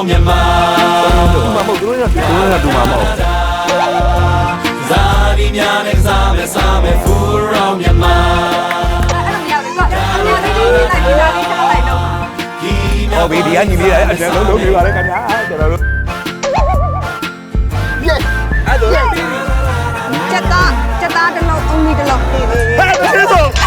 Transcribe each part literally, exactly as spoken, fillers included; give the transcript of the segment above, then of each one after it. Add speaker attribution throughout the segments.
Speaker 1: မြန်မာ
Speaker 2: တူမှာမဟုတ်သူတို့ကသူတို့ကတူမှာမဟုတ်
Speaker 1: ဇာတိများနဲ့စားမယ်စားမယ်ဖူရောမြန်မာ
Speaker 2: ဟောဗီဒီယိုညီလေးအဲ့ဒါလုံးလုံးပြပါလေခင်ဗျာကျွန်တော်တို့အဲ့ဒါ
Speaker 3: ချက်သားချက်သားတစ်လုံးအုံးကြီးတစ်လုံးပေးပေး
Speaker 2: ဟဲ့ကျေးဇူး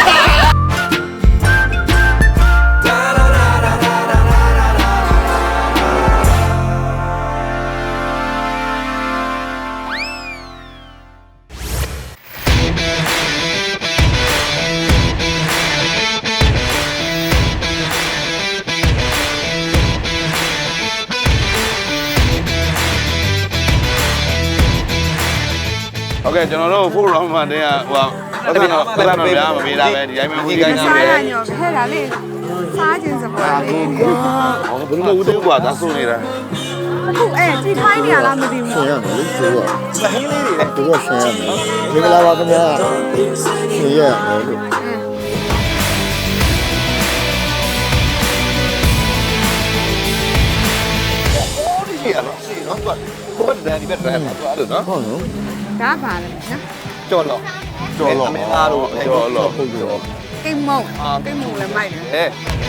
Speaker 2: โอเคကျွန်တော်တို့ဖို့ရောင်းမှတဲ့ဟိုပတ်သက်တော့ပတ်သက်တော့ပြားမပေးတာပဲဒီတိုင်းမှာဟိုဒီကိုင်းကပဲ
Speaker 3: စားရညောခဲတာလေစားခြင်းစပွဲလေ
Speaker 2: ဟောဘယ်လိုဦးသေးกว่าသာဆိုနေတာ
Speaker 3: အခုအဲ့ကြည့်ခိုင်းနေရလားမသိဘူး
Speaker 4: ရှင်ရမယ်လေဆိုတော့
Speaker 2: ဟင်းလေးတွေ
Speaker 4: သူကရှင်ရမယ်မင်္ဂလာပါခင်ဗျာရှင်ရမယ်လို့
Speaker 2: ဒီalors si no tu ko da di per ma tu allo no
Speaker 4: ဟုတ်နော်
Speaker 3: ဒါပါလေနော်
Speaker 2: ကြော်လောကြော်လောမင်းသားတို့ကြော်လော
Speaker 4: ဟုတ်ပြီ
Speaker 3: ကိမုံကိမုံလည်းမိုက်တယ်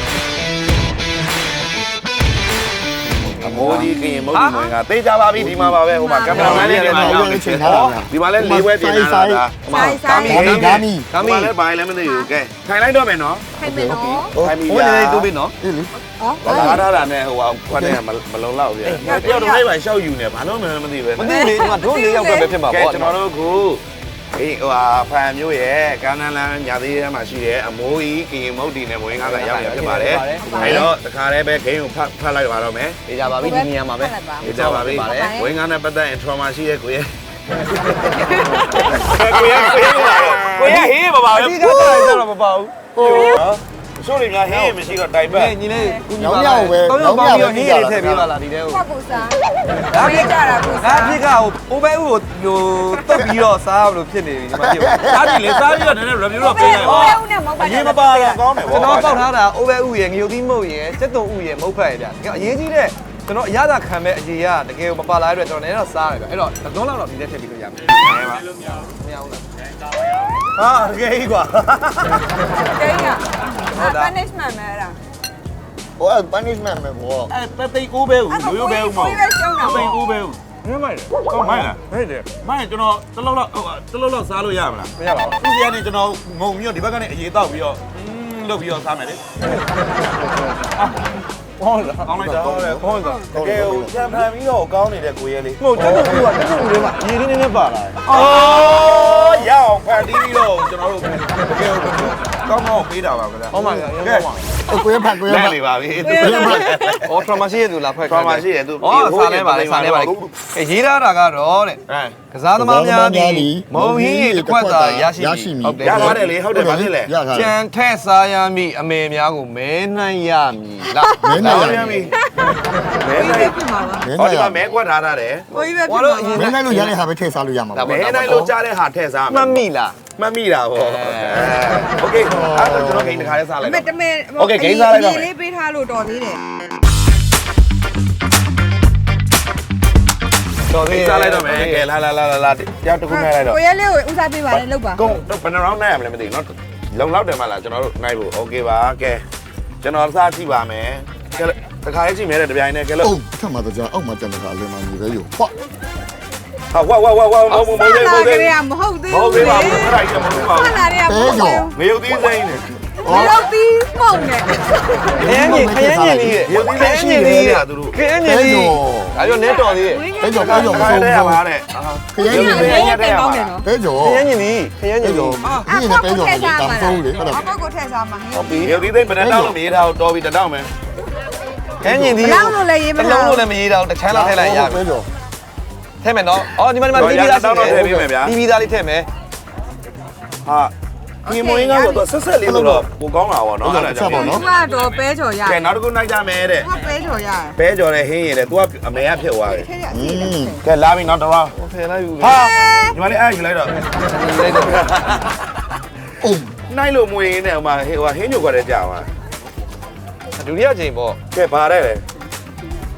Speaker 2: အမိုးကြီးကရင်မုတ်ဒီမွေကတေးကြပါပြီဒီမှာပါပဲဟိုမှာကင်မရာမန်လေးတွေမှာရောက်နေချိန်ထားတာဒီမှာလဲလေးဝဲပြင်လာတာဟိုမှာကာမီကာမီကာမီလည်းဘာလဲမသိဘူးကဲထိုင်လိုက်တော့မယ်နော်
Speaker 3: ထိုင်မယ်နော်
Speaker 2: ထိုင်ပြီဟိုနေတူပြီနော်အေးလေဟောလာထားတာနဲ့ဟိုခွက်နဲ့မလုံလောက်ဘူးတယောက်တစ်ခိုက်ပါရှောက်ယူနေဘာလို့မှမသိပဲ
Speaker 5: မသိလေဒီမှာတို့လေးယောက်ပဲဖြစ်မှာပေါ့
Speaker 2: ကျွန်တော်တို့ကအေးဟိုဟာဖန်မျိုးရဲ့ကန်းနန်းလန်းညာသေးထဲမှာရှိတဲ့အမိုးကြီးကရင်မုတ်ဒီနဲ့မွေးငါးကရောက်နေဖြစ်ပါတယ်အဲတော့တခါတည်းပဲဂိမ်းကိုဖတ်ဖတ်လိုက်ပါတော့မယ်
Speaker 5: အေးကြပါပြီဒီနေရာမှာပဲ
Speaker 2: အေးကြပါပြီဝင်းငါးနဲ့ပတ်သက်ရင် trauma ရှိရဲ့ကိုရဲ့ကိုရဲ့ကိုရဲ့ဟေးမပါဘူး
Speaker 5: အဓိကတိုင်းတော့မပါဘူး
Speaker 2: ဟုတ်ဆိုရင်များဟင်းမရှိတော့တိုင်ပတ်
Speaker 5: ညီလေးကူညီပါလားတောင်းရောက်ပါပြီးဟင်းလေးထည့်ပေးပါလားဒီထဲကို
Speaker 3: ဟုတ်ကူစားဒါပြကြတာကူစား
Speaker 5: ဒါပြကဟိုအိုးဘဲဦးကိုဟိုတုတ်ပြီးတော့စားလို့ဖြစ်နေပြီဒီမှာဖြစ်
Speaker 2: စားပြီလေစားပြီးတော့နည်းနည်း review တော့ပေးလိုက်ပါ
Speaker 3: အိုးဘဲဦးနဲ့မဟုတ်ပါ
Speaker 2: ဘူးအရင်မပါတော့ကောင်းတယ်ဗော
Speaker 5: ကျွန်တော်ပေါက်ထားတာအိုးဘဲဦးရဲ့ငရုတ်သီးမုတ်ရဲ့စက်တုံဦးရဲ့မုတ်ဖက်ရဲ့ဗျအရေးကြီးတဲ့ကျွန်တော်အရသာခံမဲ့အကြီးကတကယ်မပါလာတဲ့အတွက်ကျွန်တော်လည်းတော့စားရတယ်ဗျအဲ့တော့တစ်သုံးလောက်တော့ဒီထဲထည့်ပြီးလို့ရမယ်
Speaker 2: မှန်ပါမရဘူးလားဟာတကယ်ကြီးကွာ
Speaker 3: တကယ်ကြီးอ่ะ punishment မဲလား
Speaker 4: ဟို punishment ပဲဗော
Speaker 2: အဲ့တသိကိုးပဲဦးရိုးရိုးပဲဦးမဟုတ်တသိကိုးပဲဦး
Speaker 5: မင်းမိုက်တယ်
Speaker 2: ဟုတ်မိုက်လား
Speaker 5: ဟဲ့တယ်
Speaker 2: မိုက်ကျွန်တော်တလောက်လောက်တလောက်လောက်စားလို့ရမလား
Speaker 5: မရပါဘူး
Speaker 2: သူစီကနေကျွန်တော်ငုံပြီးတော့ဒီဘက်ကနေအရေးတောက်ပြီးတော့လုပ်ပြီးတော့စားမယ်လေ
Speaker 5: ဟုတ်လား
Speaker 2: ကောင်းလိုက်တာဟုတ်တယ်
Speaker 5: ဟုတ်လား
Speaker 2: တကယ်ကိုချန်ဖန်ပြီးတော့ကောင်းနေတဲ့ကိုရဲလေး
Speaker 5: မဟုတ်တက်တူကတက်တူလေးမှာရေလေးနည်းနည်းပါလာတယ်
Speaker 2: အော်ရအောင်ဖန်တီးပြီးတော့ကျွန်တော်တို့တကယ်ကိုကောင်းကောင်းပေးတာပါဗျာ
Speaker 5: ဟုတ်ပါဗျာ
Speaker 4: ကဲကိုရဖတ်ကိုရဖတ်
Speaker 2: နေပါပြီသူ
Speaker 5: ဟော trauma ရှိရသူလားဖက်
Speaker 2: trauma ရှိရသူ
Speaker 5: ဟောစားလဲပါလေစားလဲပါလေအဲရေးထားတာကတော့တဲ့ကစားသမားများဒီမုံဟင်းရေတစ်ခွက်သာရရှိပြီ
Speaker 2: ဟုတ်တယ်ရပါတယ်လေဟုတ်တယ်ဗာဖြစ်လေ
Speaker 5: ကြံထက်စားရမည့်အမေများကိုမဲနှိုင်းရမည်လား
Speaker 4: မဲနှိုင်းရမည်
Speaker 2: မဲနိုင်ဟောဒီမှာမဲကွက်ထားတာတယ်
Speaker 3: ကိုကြီးပဲဖြစ်မှာ
Speaker 4: မဲနိုင်လို့ရတဲ့ဟာပဲထည့်စားလို့ရမှာ
Speaker 2: ပါမဲနိုင်လို့ကြားတဲ့ဟာထည့်စား
Speaker 5: မှတ်မိလား
Speaker 2: မှတ်မိတာဗောโอเคအဲ့တော့ကျွန်တော်ဂိမ်းတစ်ခါလေးစားလိုက်
Speaker 3: တော့တမဲ
Speaker 2: โอเคဂိမ်းစားလိုက်တော့
Speaker 3: လေးပေးထားလို့တော်သေးတယ်
Speaker 2: တော်သေးစားလိုက်တော့မယ်ကဲလာလာလာလာတယောက်တစ်ခုနဲ့လိုက်တော့
Speaker 3: ကိုရဲလေးကိုဦးစားပေးပါလေလောက်ပါ
Speaker 2: ကုန်တော့ဘယ်နှ round နိုင်ရမလဲမသိဘူးเนาะလုံလောက်တယ်မလားကျွန်တော်တို့နိုင်ဖို့โอเคပါကဲကျွန်တော်စားကြည့်ပါမယ်ကဲတခါလေးကြည့်မယ်တဲ့တပြိုင်နဲ့ကဲလို့
Speaker 4: ဟုတ်ထပ်မှာတော့အောက်မှာတန်တာအလင်းမကြီးပဲယူဖွာ
Speaker 2: ဟာဝါဝါဝါဝါမဟုတ်မဟုတ်မဟုတ်
Speaker 3: သေးဘူးမဟုတ်သေးဘူး
Speaker 2: မဟုတ်သေးပါဘူးအဲ့ဒါကြီးမဟုတ်ပါဘူး
Speaker 3: ခဏလေးကမဟုတ်ဘူး
Speaker 2: ငရုတ်သီးစိမ့်နေ
Speaker 3: ငရုတ်သီးမှုန့်နေ
Speaker 5: ခရမ်းကြီးခရမ်းကြီးလေး
Speaker 2: ငရုတ်သီးစိမ့်ရှိနေတာသူတို့
Speaker 5: ခရမ်းကြီးလေးဒါကြောင့်နဲတော်သေးရဲ့
Speaker 4: ပဲကြောပဲကြောမဆုံး
Speaker 2: ဘူးပါတဲ့
Speaker 4: ခရမ်းကြီးလေး
Speaker 3: ရတဲ့ကောင်းတယ်နော်
Speaker 4: ပဲကြော
Speaker 5: ခရမ်းကြီးလေးခရမ်းကြီးလေး
Speaker 4: ဒီနဲ့ပဲကြောလေးတောင်ဆုံးလေ
Speaker 3: ဟုတ်တယ်အကောက်ကိုထည့်စားမှာ
Speaker 2: ဟုတ်ပြီငရုတ်သီးစိမ့်ဘယ်တောင်းလို့မရေးထားတော့တော်ပြီတောင်းမယ်
Speaker 5: ခရမ်းကြီးလေး
Speaker 3: လောင်းလို့လည်းရေးမ
Speaker 5: ထားလုံးလို့လည်းမရေးထားတချမ်းလောက်ထည့်လိုက်ရပြီထည့်မယ်နော်အော်ဒီမှာဒီမှာတီးပြီးသား
Speaker 2: တောင်းတော့ထည့်ပေးမယ်ဗျာ
Speaker 5: တီးပြီးသားလေးထည့်မယ်
Speaker 2: ဟာဒီမွေးငါဆိုတော့ဆက်ဆက်လေးဆိုတော့ပိုကောင်းတာပေါ့နော်
Speaker 4: အဲ့ဒါကြောင့်ပေါ့နော်
Speaker 3: သူကတော့ပဲကြော်ရ
Speaker 2: ကဲနောက်တစ်ခုနိုင်ကြမယ်တဲ့
Speaker 3: သူကပဲကြော်ရ
Speaker 2: ပဲကြော်နဲ့ဟင်းရည်တဲ့ तू ကအမေကဖြစ်သွားတယ်ကဲလာပြီနောက်တော့
Speaker 5: ဖယ်လိုက်ယူ
Speaker 2: ဟာညီမလေးအဲ့ယူလိုက်တော့
Speaker 5: လိုက်တော့
Speaker 4: အိုး
Speaker 2: နိုင်လို့မွေးနေဟိုမှာဟိုဟင်းညိုခွက်တဲ့ကြာသွား
Speaker 5: ဒုတိယအချိန်ပေါ့
Speaker 2: ကဲဘာတဲ့လဲ
Speaker 5: အ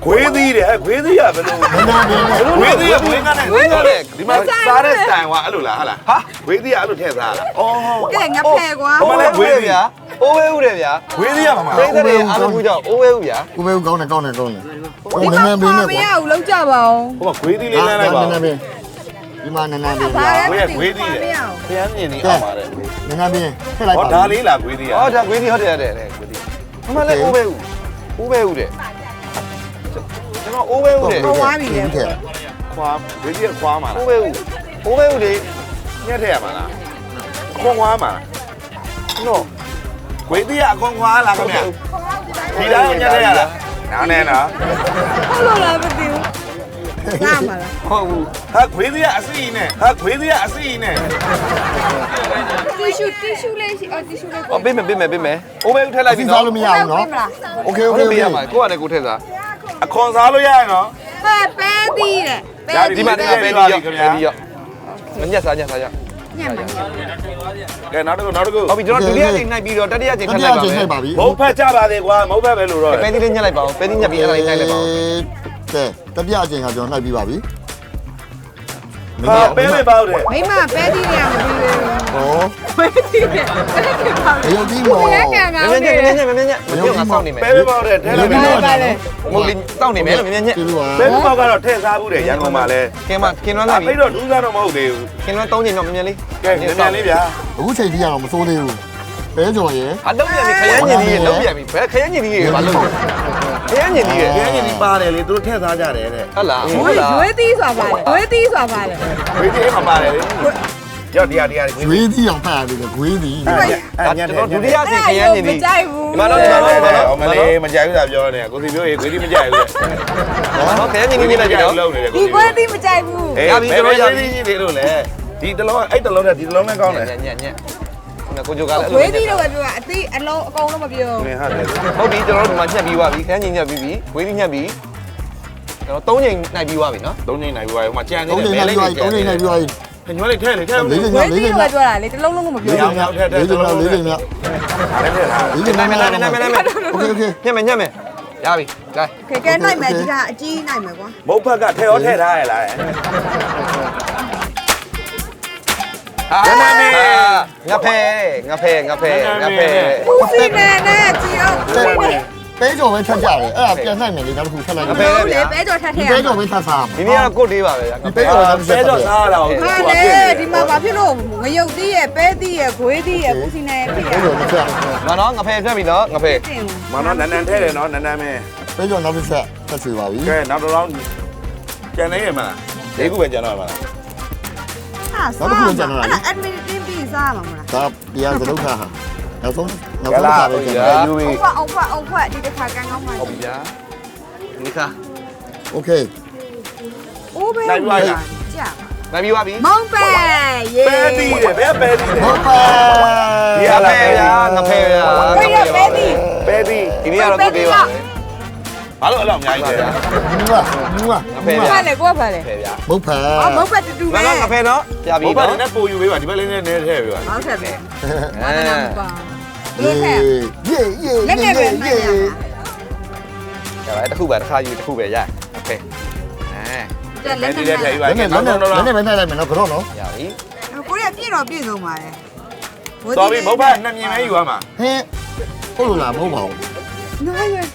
Speaker 2: ခွေးသီးတယ်ဟဲ့ခွေးသီးရဘယ်လို
Speaker 4: နည်းနည်းလေးနဲ့
Speaker 2: ခွေးသီးရဘွေးကနေဒီမှာစားတဲ့စတိုင်ကအဲ့လိုလားဟာလားဟာခွေးသီးကအဲ့လိုထည့်စားလားအော်
Speaker 3: ကဲငါဖဲကွာ
Speaker 5: ဟိုလည်းဝေးဗျာအိုးဝဲဦးတယ်ဗျာ
Speaker 2: ခွေးသီးရမှာ
Speaker 5: ပိတ်တဲ့အားလုံးကြောင့်အိုးဝဲဦးဗျာ
Speaker 4: ကိုပဲကောင်းတယ်ကောင်းတယ်ကောင်းတယ်ဟို
Speaker 3: ဒီ
Speaker 4: နည်းန
Speaker 3: မှာ
Speaker 4: ည်းလေးနဲ့
Speaker 3: မ
Speaker 4: ကွာ
Speaker 3: ရဘူးလောက်ကြပါအောင်
Speaker 2: ဟိုကခွေးသီးလေးလမ်းလိုက်ပါ
Speaker 4: နည်းနည်းလေးဒီမှာနည်းနည်းလေး
Speaker 3: ဘာလဲ
Speaker 2: ခွေးခွေးသီးတယ်ဖျန်းမြင်နေအောင်ပါတယ်
Speaker 4: နည်းနည်းလေးထည့်လိုက်
Speaker 2: ဟော
Speaker 4: ပါ
Speaker 2: ဒါလေးလားခွေးသီးရ
Speaker 5: ဟောဒါခွေးသီးဟုတ်တယ်ဟုတ်တယ်ခွေးသီးဟိုမှာလည်းအိုးဝဲဦးအိုးဝဲဦးတယ်ကျွန်တော်အိုးဝဲဦးတယ်
Speaker 4: ထည့်
Speaker 2: ခွာခွေးသီးကခွာမှာလား
Speaker 5: အိုးဝဲဦးအိုးဝဲဦးလေ
Speaker 2: ညက်ထည့်ရမှာလားခွန်ခွာမှာနော်ခွေးသီးကအခွန်ခွာလားခင်ဗျဒီတိုင်းညက်ထည့်ရလားနားနေနော်
Speaker 3: ဟုတ်လို့လားမသိဘူးစားမှာလား
Speaker 5: ဟုတ်ဘူး
Speaker 2: ဟာခွေးသီးကအစီအနဲ့ဟာခွေးသီးကအစီအနဲ့
Speaker 3: တီရှူတီရှူလေးရှိအော်တီရှူလေး
Speaker 5: ဟောပေးမယ်ပေးမယ်ပေးမယ်အိုးဝဲဦးထည့်လိုက်ပြီ
Speaker 4: စီ
Speaker 5: နော်
Speaker 4: စားလို့မရဘူးနော်โอเคโอเค
Speaker 5: ဟုတ်
Speaker 4: โอ
Speaker 5: ပြီ
Speaker 4: เค
Speaker 5: ရမှာကိုကလည်းကိုထည့်စား
Speaker 2: အခွန်စားလို့ရရနော်
Speaker 3: ဟဲ့ပဲသီးတဲ့ပဲ
Speaker 5: ဒီမှာဒီမှာပဲဒီရောက်ပဲဒီရောက်မညက်စားညက်စားရ
Speaker 3: ညံ့မှာညံ့
Speaker 2: ကဲနောက်တစ်ခုနောက်တစ်ခု
Speaker 5: ဟုတ်ပြီကျွန်တော်ဒုတိယချိန်နှိုက်ပြီးတော့တတိယချိန်ထပ်လိုက်ပါမယ်
Speaker 4: နှိုက်ပါပြီ
Speaker 2: မုတ်ဖက်ကြပါသေးကွာမုတ်ဖက်ပဲလို့တော့
Speaker 5: ပဲဒီလေးညက်လိုက်ပါဦးပဲဒီညက်ပြီးအဲ့ဒါလေးနှိုက်လိုက်ပါဦး
Speaker 4: ကဲတပြအချိန်ကကျွန်တော်နှိုက်ပြီးပါပြီ
Speaker 2: ဟာပဲပဲပေါ့တယ်
Speaker 3: မိမပဲသီးတွေကမပြီးဘူး
Speaker 4: ဟော
Speaker 3: ပဲသီးတဲ့အဲ့ဒါကပါ
Speaker 4: ရုပ်ကြီးမော်
Speaker 3: ဘယ်ကံကော
Speaker 5: မ
Speaker 3: င်း
Speaker 5: င်း
Speaker 3: နေ
Speaker 5: ညက်မင်းညက်မင်းညက်မင်းညက်ငါစောင့်နေမယ်
Speaker 2: ပဲပဲပေါ့တယ်ထဲလိုက်
Speaker 4: ရုပ်ကြီး
Speaker 2: ပဲ
Speaker 4: မော်ပါလေ
Speaker 5: မဟုတ်လေစောင့်နေမယ်လို့မင်းညက်
Speaker 4: ဒီလိုပါ
Speaker 2: ပဲပဲပေါ့ကတော့ထဲစားဘူးတယ်ရန်ကုန်မှာလဲ
Speaker 5: ကင်မကင်နွမ်းလာပြီ
Speaker 2: အဲ့တော့ဒူးစားတော့မဟုတ်သေးဘူး
Speaker 5: ကင်နွမ်းသုံးချိန်တော့မမြင်လေး
Speaker 2: ကဲမြန်မြန်လေးဗျာ
Speaker 4: အခုချိန်ကြီးကတော့မစိုးသေးဘူးပဲကြော်ရယ်
Speaker 5: အလုံးပြန်ပြီခရမ်းညင်ကြီးရေလုံးပြန်ပြီဘယ်ခရမ်းညင်ကြီးရေဘာလုံးခရမ်းညင်ကြီးရေ
Speaker 2: ခဲကြီးဒီပါတယ်လေသူတို့ထဲစားကြတယ်တဲ့
Speaker 5: ဟုတ်လား
Speaker 3: ရွ
Speaker 5: ဟုတ်လား
Speaker 3: ေးသီးဆိုတာပါလေရွေးသီးဆိုတာပါလေ
Speaker 2: ဝေးကြီးမှာပါတယ်လေကြောက်တရားတရား
Speaker 4: ဂွေးသီးအောင်ဖတ်ရတယ်ဂွေးသီး
Speaker 2: အဲ့ညက်
Speaker 5: ကျွန်
Speaker 2: တယ်
Speaker 5: တော်ဒုတိယချိန်ခရမ်းညင်ကြီး
Speaker 3: မကြိုက်ဘူး
Speaker 5: ဒီမှာတော့ဒီမှာတော့ဒီမှာတော့
Speaker 2: မလေးမကြိုက်ဘူးသာပြောနေကိုစီပြောရေခွေးကြီးမကြိုက်ဘူး
Speaker 5: နော်ခရမ်းညင်ကြီးနေလိုက်ပြီနော်
Speaker 2: လုံးနေတယ်
Speaker 3: ဒီကွဲသီးမကြိုက်ဘူး
Speaker 2: အေးရပြီကျွန်တော်ရပြီဒီလိုလေဒီတလုံးအဲ့တလုံးနဲ့ဒီတလုံးနဲ့ကောင်းတယ်
Speaker 5: ညက်ညက်ညက်ငါကိုကြိုကလည်း
Speaker 3: ရွေးသီးတော့ပဲပြောတာအသီးအလုံးအကုန်လုံးမပြော
Speaker 2: နင်ဟာတယ်
Speaker 5: ဟုတ်ပြီကျွန်တော်တို့ဒီမှာညက်ပြီးသွားပြီခရမ်းညင်ညက်ပြီးပြီဝေးပြီးညက်ပြီးကျွန်တော်သုံးချိန်နိုင်ပြီးသွားပြီနော်
Speaker 2: သုံးချိန်နိုင်ပြီဟိုမှာကြံနေ
Speaker 4: သုံး
Speaker 2: တယ်
Speaker 4: ချိန်
Speaker 2: မဲ
Speaker 4: နိုင်
Speaker 2: လေး
Speaker 4: ပြီးသွားပြီသုံးချိန်နိုင်ပြီးသွားပြီ
Speaker 2: ညွှန်းလေးထဲလေထဲလေ
Speaker 4: လေးချိန်
Speaker 3: ရွေး
Speaker 4: မြောက်
Speaker 3: သီး
Speaker 4: လေးချိန်
Speaker 3: တော့
Speaker 4: မြောက်
Speaker 3: ပြောတာလေတစ်လုံးလုံးမပြော
Speaker 4: လေးချိန်မြောက်လေးချိန်မြောက်လေးချိန်မြောက်
Speaker 2: အဲ့ထဲလား
Speaker 4: လေးချိန်
Speaker 5: နိုင်မယ်
Speaker 4: မြောက်
Speaker 5: နိုင်မယ်နိုင်မယ်နိုင်မယ်
Speaker 4: โอเคโอเค
Speaker 5: ညက်မယ်ညက်မယ်ရပြီလာ
Speaker 3: ကဲကဲနိုင်မယ်ဒီကအကြီးနိုင်မယ်ကွာ
Speaker 2: မုတ်ဖက်ကထဲရောထဲထားရလား
Speaker 5: ဟာငါဖဲငါဖဲငါဖဲငါဖဲ
Speaker 3: ဦးစီနဲ့နဲ့ကြည့်အောင်
Speaker 4: ပဲကြော်ပဲထပ်ကြတယ်အဲ့ဒါပြန်နိုင်မယ်လေနောက်တစ်ခုထပ်လိုက်မယ်
Speaker 3: ဟုတ်လေပဲကြော်ထက်ထ
Speaker 4: ဒီ
Speaker 3: ည့်ရ
Speaker 4: ပဲ
Speaker 3: မယ်
Speaker 4: ကြော်ပဲထပ်စား
Speaker 5: ဒီနေ့ကတော့ကိုတ်သေးပါပဲငါ
Speaker 4: ဒီ
Speaker 5: ဖဲ
Speaker 4: ပဲကြော်ပဲ
Speaker 2: ဆဲတော့စားရအောင်
Speaker 3: ဟာလေဒီမှာဘာဖြစ်လို့ငရုတ်သီးရဲ့ပဲသီးရဲ့ခွေးသီးရဲ့ဦးစီနဲ့ဖြစ်ရ
Speaker 4: ပဲကြော်တစ်ချက်
Speaker 5: ငါတော့ငါဖဲပြတ်ပြီနော်ငါဖဲ
Speaker 3: တင်
Speaker 2: မနော်နန်းနန်းထဲတယ်နော်နန်းနန်းမဲ
Speaker 4: ပဲကြော်နောက်တစ်ချက်ထပ်ချွေပါပြီ
Speaker 2: ကဲနောက်တော့ကျန်နေရမလားလေးခုပဲကျန်တော့မှာလား
Speaker 3: ဟာစားအဲ့ admin တင်ပြီးစားမှာမလား
Speaker 4: ဒါပြန်စလုံးထားဟာနောက်ဆုံးနောက်ဆုံးစားပဲကျန်တယ်
Speaker 2: ယူပြီ
Speaker 3: အုပ်ဖတ်အုပ်ဖတ်အုပ်ဖတ်ဒီတစ်ခါကန်းကောင်းမှ
Speaker 5: ဟုတ်ပြီဗျာဒီခါ
Speaker 4: โอเค
Speaker 3: အိုးပဲကြာ
Speaker 5: နိုင်ပြီးသွားပြီ
Speaker 3: မောင်ပဲယေ
Speaker 2: ပဲတီးတယ်ပဲပဲတီးတယ်
Speaker 4: ဟုတ်ပါ
Speaker 5: ဒီအဖဲဗျာငါဖဲဗျာ
Speaker 3: ပဲရပဲသီး
Speaker 2: ပဲတီး
Speaker 5: ဒီနေ့ကတော့ကိုတ်သေးပါပဲ
Speaker 2: ဘာလို့အဲ့လိုအများကြီးလဲ
Speaker 4: ဘူးကဘူးက
Speaker 5: ငါဖဲဗျာ
Speaker 3: ဖတ်လေကိုဖတ်လေ
Speaker 5: ဖဲဗျာ
Speaker 4: မဟုတ်ဖာ
Speaker 3: အော်မောင်ပဲတူတူ
Speaker 5: ငါ
Speaker 3: ပဲ
Speaker 5: တော့ငါဖဲနော်ပြပြီ
Speaker 2: ဘုရား
Speaker 5: နော်
Speaker 2: နဲ့ပို့ယူပေးပါဒီဘက်လေးနဲ့နဲထဲပေးပါ
Speaker 3: ဟုတ်တယ်ပဲ
Speaker 5: အဲ
Speaker 3: ပါဘ
Speaker 4: ယေ
Speaker 3: ယ်ဖက်
Speaker 4: ယေယေ
Speaker 3: လက်နဲ့ပဲမှတ်ရ
Speaker 5: ကျပါတစ်ခုပဲတစ်ခါယူတစ်ခုပဲရโอเคအဲ
Speaker 3: တာလက်
Speaker 2: ဒီ
Speaker 3: နဲ့
Speaker 2: ထဲ
Speaker 3: ပဲ
Speaker 2: ထဲယူပါ
Speaker 4: လက်နဲ့လက်နဲ့လက်နဲ့ပဲနိုင်လိုက်မယ်နော်ကတော့နော်
Speaker 5: ရပြီ
Speaker 3: ကိုရပြည့်တော့ပြည့်စုံပါတယ်
Speaker 2: တော်ပြီဘုရားနှစ်မြင်ပဲယူရမှာ
Speaker 4: ဟင်းဟုတ်လို့လားမဟုတ်ပါဘူး
Speaker 3: နိုင်ရ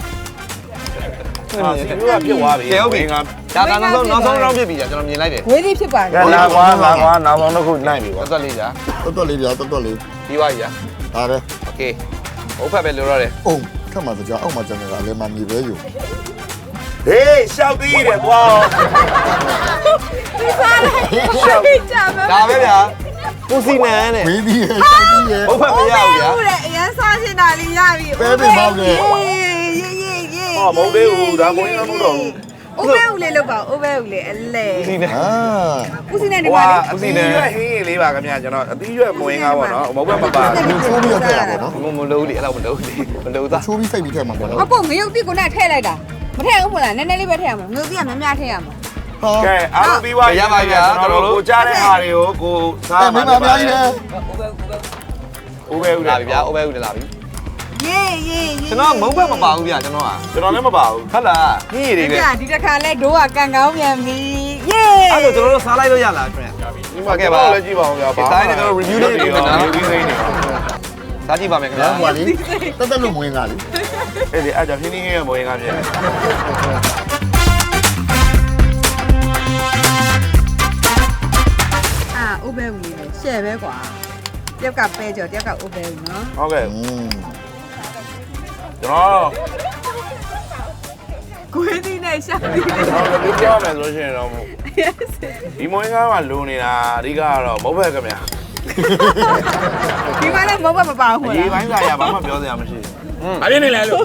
Speaker 2: ဟာစီမျိုးကပြစ်သွားပြီ
Speaker 5: ကဲဟုတ်ပြီဒါကနောက်ဆုံးနောက်ဆုံး round ပြစ်ပြီကြာကျွန်တော်မြင်လိုက်တယ်
Speaker 3: ဝေးသေးဖြစ်ပါတ
Speaker 2: ကဲ
Speaker 3: ယ်
Speaker 2: လာကွာလာကွာနောက်ဆုံးတစ်ခုနိုင်ပြီကွာ
Speaker 5: တော်တော်လေးကြာ
Speaker 4: တော်တော်လေးပြတော်တော်လေး
Speaker 5: ပြီးသွားပြီကြာ
Speaker 4: ဒါပဲ
Speaker 5: โอเคဟုတ်ဖက်ပဲလိုတော့တယ်
Speaker 4: အုံခက်မှစကြအောက်မှာကျန်နေတာလည်းမမြည်ပဲယူ
Speaker 2: ဟေးရှောက်သေးတယ်ကွာ
Speaker 3: ဒီစားလိုက်ရှောက်ကြမှာ
Speaker 5: ဒါပဲဗျာပူစီနန်တဲ့
Speaker 4: ဝေးပြီးရဲ့ဆောက်ပြီးရဲ့
Speaker 5: ဟုတ်ဖက်မရဘူးဗျာ
Speaker 3: ဟုတ်တယ်အရင်စားရှင်တာလေးရပြီရေးရေးရေး
Speaker 2: ဟောမဟုတ်သေးဘူးဒါကိုင်းမဟုတ်တော့ဘူး
Speaker 3: အိုးဘဲဦးလေးလောက်ပါအိုးဘဲဦးလေးအလဲ
Speaker 5: ပူစီနန်
Speaker 4: အာ
Speaker 3: ဦးစီနဲ့ဒီ
Speaker 2: ဟို
Speaker 3: မှာ
Speaker 2: ဟာ
Speaker 3: လေး
Speaker 2: အသီးရွက်ဟင်းလေးပါခင်ဗျာကျွန်တော်အသီးရွက်မဝင်ကားပါတော့မဟုတ်ဘက်မပါ
Speaker 4: ဒီချိုးပြီးတော့ထည့်ရပါတော့
Speaker 5: မမလို့လေအဲ့လောက်မလို့လေမလို့သား
Speaker 4: ချိုးပြီးစိတ်ပြီးထည့်မှာပေါ့နော်
Speaker 3: အပေါ့ငရုတ်တိကိုနဲ့ထည့်လိုက်တာမထည့်ဘူးမလားနည်းနည်းလေးပဲထည့်ရမှာငရုတ်တိကများများထည့်ရမှာ
Speaker 4: ဟော
Speaker 2: ကဲအားလုံးပြီးသွားကျွန်တော်တို့ကိုကြားတဲ့ဟာတွေကိုကိုစား
Speaker 4: အဲမင်းမအများကြီးလေ
Speaker 2: ဦးပဲဦး
Speaker 5: လာ
Speaker 2: တယ်
Speaker 5: ပြီဗျာအိုဘဲဦးလာပြီ
Speaker 3: ရေးရေး
Speaker 5: ကျွန်တော်မုံဘက်မပါဘူးဗျကျွန်တော်က
Speaker 2: ကျွန်တော်လည်းမပါဘူး
Speaker 5: ဟုတ်လားဟင်းရည်တွေပဲ
Speaker 3: ဒီတစ်ခါလဲဒိုးကကန်ကောင်းပြန်ပြီယေ
Speaker 5: အဲ့ဒါကျွန်တော်တို့စားလိုက်လို့ရလားခင်ဗျ
Speaker 2: ဒီမှာကဲပါလည်းကြည့်ပါဦးဗျာ
Speaker 5: ဒီတိုင်းကျွန်တော် review လေးလုပ်နေတာ
Speaker 2: review လေးနေ
Speaker 5: စားကြည့်ပါမယ်ခင်ဗျာ
Speaker 4: ဟိုကလေတက်တက်လို့မဝင်ကလေ
Speaker 2: အဲ့ဒီအဲ့ကြောင့်ဟင်းဟင်းရဲ့မဝင်ကားပြည့်
Speaker 3: အာဥပဲဦးလေးရှယ်ပဲကွာတယောက်ကပဲကြောတယောက်ကဥပဲဦးနော်
Speaker 2: ဟုတ်ကဲ့
Speaker 4: อืม
Speaker 2: ကျွန်တော်
Speaker 3: ကိုယ်ဒီနဲ့ရှာပြီး
Speaker 2: ကျွန်တော်လည်းပြောမယ်ဆိုလို့ရှိရင်တော့ဒီမဝင်ကားမှာလိုနေတာအဓိကကတော့မဟုတ်ပဲခင်ဗျာ
Speaker 3: ဒီမှာလည်းမဟုတ်မပါဘူး
Speaker 2: ဒီ
Speaker 3: လား
Speaker 2: ပိုင်းဆိုင်ရာဘာမှပြောစရာမရှိ
Speaker 5: อืม
Speaker 2: ဘူးအပြင်းနေလဲလို့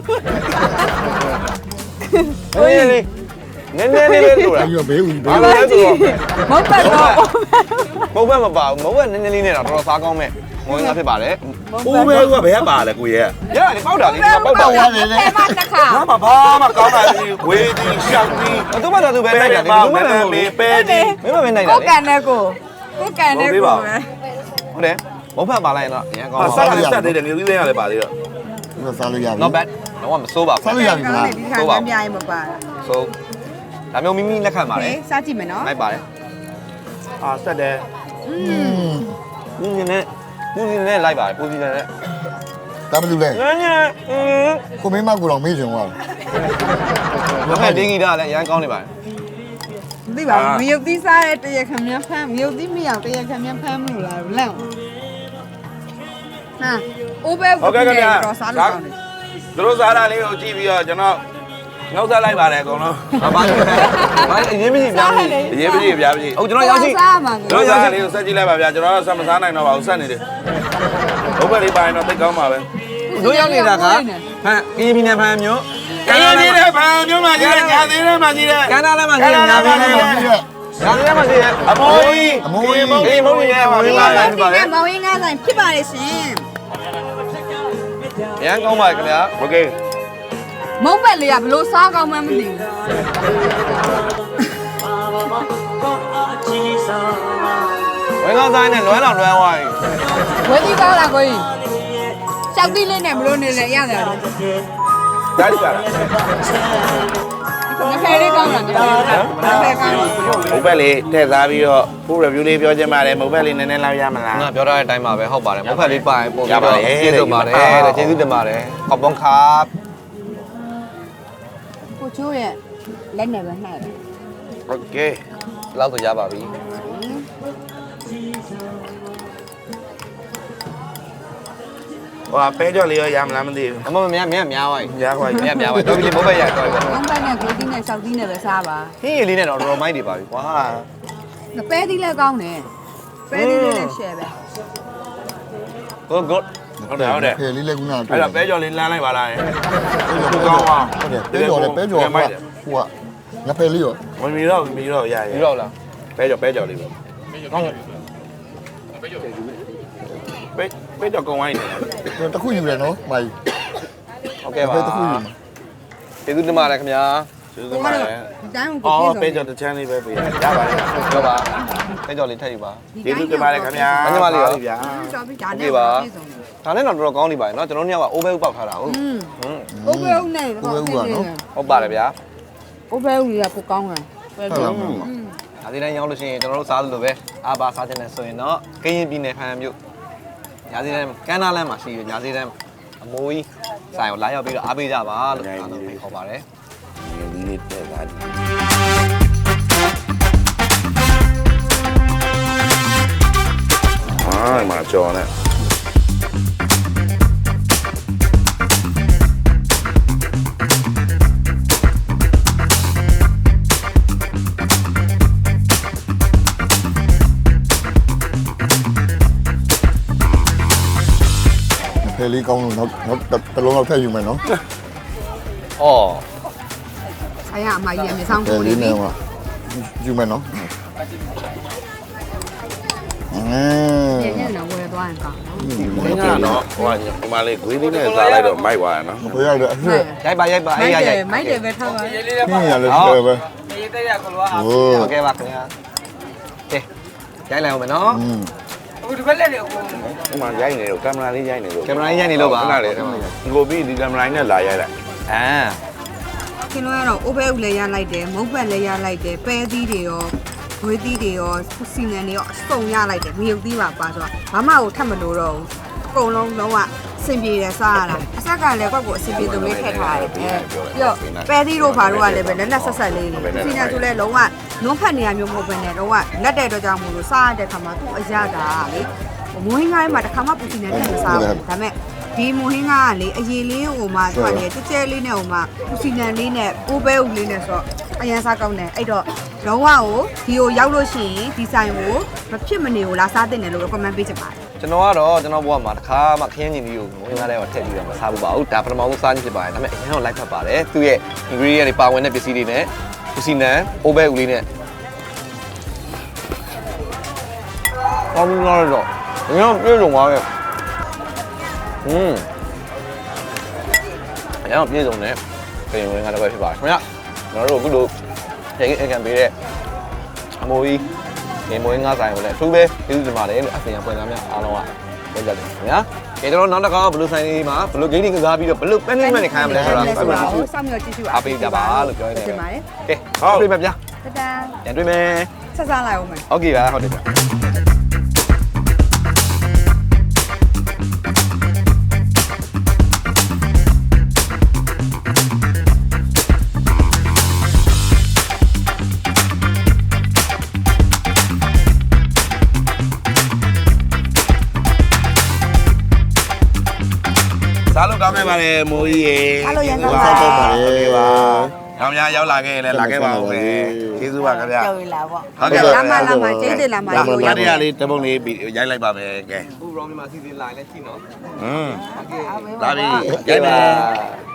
Speaker 5: ဟင်းရည်လေးနည်းနည်းလေးလေးဆိုတာ
Speaker 4: အဲ့ရဘေးဦးဘေး
Speaker 5: ဘာလဲဆိုတော့
Speaker 3: မဟုတ်ပါတော့
Speaker 5: မုံဘက်မပါဘူးမုံဘက်နည်းနည်းလေးနဲ့တော့တော်တော်စားကောင်းမဲ့မုံငါဖြစ်ပါတယ်
Speaker 2: ဦးပဲဦးကဘယ်ကပါလဲကိုရဲ့
Speaker 5: ရတယ်ပေါက်တာလေးပေါက်တာ
Speaker 3: ဟုတ်တယ်လေအဲ့မှာတစ်ခါ
Speaker 2: ဘာမှဘာမှကောင်းတာမရှိဝေးဒီရှောက်ဒီ
Speaker 5: ဘသူမှသာသူပဲနိုင်တယ်ဒီ
Speaker 2: ပါ
Speaker 5: လို
Speaker 2: မ
Speaker 5: မှမ
Speaker 2: ယ်
Speaker 5: ဟုတ်
Speaker 2: မေ
Speaker 5: ဘူး
Speaker 2: ပဲဒီ
Speaker 5: မင်းမပဲနိုင်တာ
Speaker 3: ကို
Speaker 5: လေ
Speaker 3: ကန်တဲ့ကိုကိုကန်တဲ့ကိုပဲ
Speaker 5: ဟုတ်တယ်မုံဘက်ပါလိုက်ရင်တော့အရင်ကောင်း
Speaker 2: ဟာ
Speaker 5: ပါ
Speaker 2: ဆက်လည်းဆက်သေးတယ်ငွေသေးရလည်းပါသေးတော့
Speaker 4: ဒီစားလို့ရပြီ
Speaker 5: not bad တော့မစိုးပါ
Speaker 4: စား
Speaker 5: ဘူး
Speaker 4: လို့ရပြီမလား
Speaker 3: ဒီခါကမ်းပြရင်မပါ
Speaker 5: ဆိုဒါမျိုးမိမိလက်ခံပါလေ
Speaker 3: ဟေးစားကြည့်မယ်နော်
Speaker 5: လိုက်ပါတယ်
Speaker 2: အာဆက်တယ်
Speaker 3: อืม
Speaker 5: ပူနေနဲ့ပူနေနဲ့လိုက်ပါတယ်ပူနေနဲ့
Speaker 4: ဒါမှမဟုတ်လေ
Speaker 5: ငန်းငန်းအင်း
Speaker 4: ကိုမင်းမကူတော့မေးချင်သွား
Speaker 5: ဘယ်ဒင်းဂီတာလည်းအရင်ကောင်းနေပါတယ်
Speaker 3: သိပါဘူးမယုတ်သီးစားတဲ့တရခမ်းမြဖမ်းမယုတ်သီးမရတရခမ်းမြဖမ်းမလို့လားလန့်ဟာအိုးပဲတော့စားလို့ကောင်းတယ်
Speaker 2: သူတို့စားတာလေးကိုကြည့်ပြီးတော့ကျွန်တော်ငေါက်စားလိုက်ပါတယ်အကုန်လုံး
Speaker 5: ဘာဘာဘာအရင်မကြီးပြောင်းနေ
Speaker 2: အရေးကြီးပြားကြီး
Speaker 5: ဟုတ်ကျွန်တော်ရောက်ရှိ
Speaker 3: စားမှာ
Speaker 2: သူတို့စားတာလေးကိုဆက်ကြည့်လိုက်ပါဗျာကျွန်တော်တော့ဆက်မစားနိုင်တော့ပါဘူးဆက်နေတယ်ဘုတ်ပဲလေးပါရင်တော့သိကောင်းပါပဲ
Speaker 5: တို့ရောက်နေတာကဖန်ကင်းပြည်နယ်ဖန်မျိုး
Speaker 2: ကဲကြီးတဲ့ဗန်မျိုးမှကြီးတဲ့ညာသေးတဲ့မှကြီးတဲ့
Speaker 5: ကန္နာလည်းမရှိရညာပြည်နယ်မှာညာပြည်နယ်မှာရှိရ
Speaker 2: အမိုးကြီး
Speaker 4: အမိုးကြီး
Speaker 5: အေးမဟုတ်ရဲ့ပါ
Speaker 3: ဒီ
Speaker 5: ပါ
Speaker 3: မှာ
Speaker 5: ပါပါ
Speaker 3: ဒီမှာမောင်ရင်းကားဆိုင်ဖြစ်ပါလေရှင်
Speaker 5: ရန်ကောင်းပါခင်ဗျာ
Speaker 2: โอเค
Speaker 3: မုံပက်လေးကဘလို့စားကောင်းမှမသိဘူး
Speaker 5: ဝင်ကောင်းဆိုင်နဲ့လွမ်းတော်လွမ်းသွားပြီ
Speaker 3: ဝေးကြီးကောင်းလားကိုကြီးရှောက်သီးလေးနဲ့ဘလို့နေလဲရတယ်လို့
Speaker 2: ဒါကြပါလား
Speaker 3: ငါဖဲလေးကောင်းလားငါဖဲကောင်းလား
Speaker 2: ဘုတ်ပဲလေးထည့်စားပြီးတော့ဖူး review လေးပြောချင်ပါတယ်ဘုတ်ပဲလေးနည်းနည်းလောက်ရမလား
Speaker 5: ငါပြောထားတဲ့အတိုင်းပါပဲဟုတ်ပါတယ်မဖက်လေးပါရင်ပို့ပြီးတော့ကျေးဇူးပါတယ်ကျေးဇူးတင်ပါတယ်ขอบคุณครับ
Speaker 3: ကိုချိုးရဲ့လက်နဲ့ပဲနှိုက်တယ်
Speaker 2: โอเค
Speaker 5: လောက်ဆိုရပါပြီ
Speaker 2: ဟိုပဲကြော်လေးရောရမလားမသိဘူး
Speaker 5: အမမများများများသွားပြီ
Speaker 2: ညာခွာ
Speaker 5: များများသွားတော့ဒီမိုးပဲရတော့ပြီ
Speaker 3: မုံပက်နဲ့ကိုသီးနဲ့ရှောက်သီးနဲ့ပဲစားပါ
Speaker 5: ဟင်းရည်လေးနဲ့တော့တော်တော်မိုက်နေပါပြီကွာ
Speaker 3: ငပဲသီးလည်းကောင်းတယ်ပဲသီးလေးနဲ့ရှယ်ပဲ
Speaker 5: good good
Speaker 2: ဟုတ်တယ်ဟုတ်တယ်
Speaker 4: ဖယ်လေးလည်းကူနာ
Speaker 2: အဲ့တော့ပဲကြော်လေးလမ်းလိုက်ပါလား
Speaker 4: ဟုတ်ကောင်းပါဟုတ်တယ်ပဲကြော်လည်းပဲကြော်ဟိုကဟိုကငါဖယ်လေးရော
Speaker 2: ဝင်ပြီးတော့ပြီးတော့ရရ
Speaker 5: ပြီးတော့လား
Speaker 2: ပဲကြော်ပဲကြော်လေးပဲ
Speaker 5: ကောင်းတယ်
Speaker 2: ပဲပဲကြော်ကုံဝိုင်းနေ
Speaker 4: တခုယူတယ်နော်မိုင်
Speaker 5: ဟုတ်ကဲ့ပါ
Speaker 4: ပဲတခုယူမှာ
Speaker 5: ကျေးဇူးတင်ပါတယ်ခင်ဗျာ
Speaker 2: ကျေးဇူးပါတ
Speaker 3: ဒီ
Speaker 2: ယ်
Speaker 3: တိုင်းကို
Speaker 2: အော်
Speaker 3: ပြေ
Speaker 2: ပဲ
Speaker 3: ဆုံး
Speaker 2: ကြော်တစ်ချမ်းလေးပဲပေးရရပါတယ်
Speaker 5: ပြောပါအဲကြော်လေးထည့်ယူပါ
Speaker 2: ကျေးဇူးတင်ပါတယ်ခင်ဗျာဗျာ
Speaker 3: ကျော်ပြီးဒါနဲ့ပြေဆုံး
Speaker 5: ဒါနဲ့တော့တော်တော်ကောင်းနေပါရဲ့เนาะကျွန်တော်တို့ညက over ပေါက်ထားတာဟုတ်
Speaker 3: อืม
Speaker 5: ဟွန်း
Speaker 3: โอเคဦးနဲ့
Speaker 5: ဟုတ်ပါတယ်ဗျာ
Speaker 3: โอเคဦးကြီးကကိုကောင်းတယ်ပဲ
Speaker 4: ဟုတ်
Speaker 3: တော့
Speaker 4: လား
Speaker 5: ဒါဒီတိုင်းရောက်လို့ရှိရင်ကျွန်တော်တို့စားသလိုပဲအာဘာစားခြင်းနဲ့ဆိုရင်တော့ကရင်ပြည်နယ်ဖန်မြို့ညာစီတန်းကမ်းနားလမ်းမှာရှိရညာစီတန်းအမိုးကြီးဆိုင်ကိုလာရောက်ပြီးတော့အားပေးကြပါလို့အားလုံးဖိတ်ခေါ်ပါတယ်
Speaker 2: ဒီနေ့တဲ့ကအာမကြော်နဲ့
Speaker 4: ဖယ်လေးကောင်းလို့နောက်နောက်တလုံးတော့ဖက်ယူမယ်နော်
Speaker 5: အော်
Speaker 3: ဆိုင်ရအမကြီးအမြဆောင်
Speaker 4: ဖယ်
Speaker 3: ကို
Speaker 4: လေး
Speaker 3: လေး
Speaker 4: နဲ့ဟိုယူမယ်နော်အင်း
Speaker 3: ညညတော့ဝယ်သွားရင်ကောင်းနော်
Speaker 2: ဘင်းကတော့ဟိုကဒီမှာလေးဂွေးလေးနဲ့စားလိုက်တော့မိုက်သွားရနော်
Speaker 4: ဘယ်ရတယ်အဖြစ်
Speaker 5: ရိုက်ပါရိုက်ပါအေးရိုက်ရိုက်
Speaker 3: မိုက်တယ်ပဲထားပါ
Speaker 4: နင်းရတယ်ဖယ်ပဲရေးတဲ့ရကလောဟို
Speaker 5: ဟုတ်ကဲ့ပါခင်ဗျာကဲရိုက်လိုက်အောင်မယ်နော်
Speaker 4: อืม
Speaker 3: ဟိုဒီဘက်လက်တွေအကုန်
Speaker 2: ဒီမှာရိုက်နေတော့ကင်မရာလေးရိုက်နေလို့
Speaker 5: ကင်မရာကြီးရိုက်နေလို့ပါ
Speaker 2: ခဏလေးကိုပြီးဒီကင်မရာနဲ့လာရိုက်လိုက်
Speaker 5: အာ
Speaker 3: ခင်ဗျားကတော့အိုဘဲဦးလည်းရလိုက်တယ်မုတ်ဘက်လည်းရလိုက်တယ်ပဲသီးတွေရောဝေးသီးတွေရောစီနံတွေရောအစုံရလိုက်တယ်မြုပ်သီးပါပါဆိုတော့ဘာမှကိုထပ်မလို့တော့ဘူးအကုန်လုံးလုံးဝအဆင်ပြေတယ်စားရတာအဆက်ကလည်းကွက်ကိုအဆင်ပြေသူလေးထည့်ထားတယ်ပြီးတော့ပဲသီးတို့ဘာတို့ကလည်းပဲလက်လက်ဆက်ဆက်လေးတွေစီနံဆိုလည်းလုံးဝနုံးဖက်နေရမျိုးမဟုတ်ဘဲနဲ့လုံးဝလက်တဲ့တော့ကြောင့်မို့လို့စားရတဲ့ခါမှာသူ့အရတာလေမွေးငိုင်းမှာတစ်ခါမှပူစီနံထည့်မစားဘူးဒါပေမဲ့ဒီမွေးငါကလေအရေးလေးဟိုမှာသူကလေကြဲကြဲလေးနဲ့ဟိုမှာပူစီနံလေးနဲ့အိုးပဲဦးလေးနဲ့ဆိုတော့အရန်စားကောင်းတယ်အဲ့တော့လုံးဝကိုဒီကိုရောက်လို့ရှိရင်ဒီဆိုင်ကိုမဖြစ်မနေကိုလာစားတင်တယ်လို့ recommend ပေးချင်ပါတယ်
Speaker 5: ကျွန်တော်ကတော့ကျွန်တော်ဘဝမှာတစ်ခါမှခရမ်းညင်ကြီးကိုငွေငါးတဲ့မှာထည့်ပြီးတော့မစားဘူးပါဘူးဒါပထမဆုံးစားခြင်းဖြစ်ပါတယ်ဒါပေမဲ့အရင်ကလိုက်ဖက်ပါတယ်သူ့ရဲ့ ingredient တွေပါဝင်တဲ့ပစ္စည်းတွေနဲ့ပစ္စည်းနဲ့အိုးဘဲဦးလေးနဲ့ကောင်းလာတော့ငါပြေဆုံးသွားရဲ့อืมအရင်ကပြေဆုံးတယ်ပြင်ဝင်ငါတော့ပဲဖြစ်ပါတယ်ခင်ဗျကျွန်တော်တို့အခုလိုရေအကန်ပေးတဲ့အမိုးကြီးဒီမွေးငါးဆိုင်ကိုလည်းအထူးပဲကျေးဇူးတင်ပါတယ်လို့အပြင်ဖွင့်သားများအားလုံးကပြောကြတယ်ခင်ဗျာ။ကျွန်တော်နောက်တစ်ခါဘလူးဆိုင်လေးမှာဘလူးဂိမ်းတွေကစားပြီးတော့ဘလူးပန်းနေမှနေခိုင်းရမလဲဆိုတာဆက်ပြီးတော့
Speaker 3: စောင့်မျှော်ကြည့်ရှု
Speaker 5: အားပေးကြပါလို့ပြောနေတယ်
Speaker 3: တင်ပါတယ်
Speaker 5: ။ကဲဟုတ်ပြီမဗျာ
Speaker 3: တတန်
Speaker 5: ။ပြန်တွေ့မယ်
Speaker 3: ဆက်စားလိုက်အောင်မယ်
Speaker 5: ။ဟုတ်ကဲ့ပါဟုတ်တယ်ဗျာ
Speaker 2: စားလို့ကောင်းခဲ့ပါတယ်မိုးကြီးရေ
Speaker 3: အားလို့ရန်ကောင်း
Speaker 4: စား
Speaker 3: ပါ
Speaker 4: တော့ပါလေ
Speaker 2: ပါအောင်များရောက်လာခဲ့ရင်လည်းလာခဲ့ပါဦးမယ်ကျေးဇူးပါခင်ဗျာ
Speaker 3: ကြောက်ရလာပေါ့
Speaker 2: ဟုတ်ကဲ့
Speaker 3: လာမလာမကျေးဇူးလာမ
Speaker 2: လာ
Speaker 3: လို့
Speaker 2: မ
Speaker 3: ရ
Speaker 2: ရရလေးတပုံလေးရိုက်လိုက်ပါမယ်ကဲ
Speaker 5: ။အခုရောင်းနေမှာစီစဉ်လာလဲကြည့်နော်
Speaker 2: ဟွန်း
Speaker 5: ။ဟုတ်ကဲ့
Speaker 2: လာပြီ
Speaker 5: ။ကြိုက်ပါ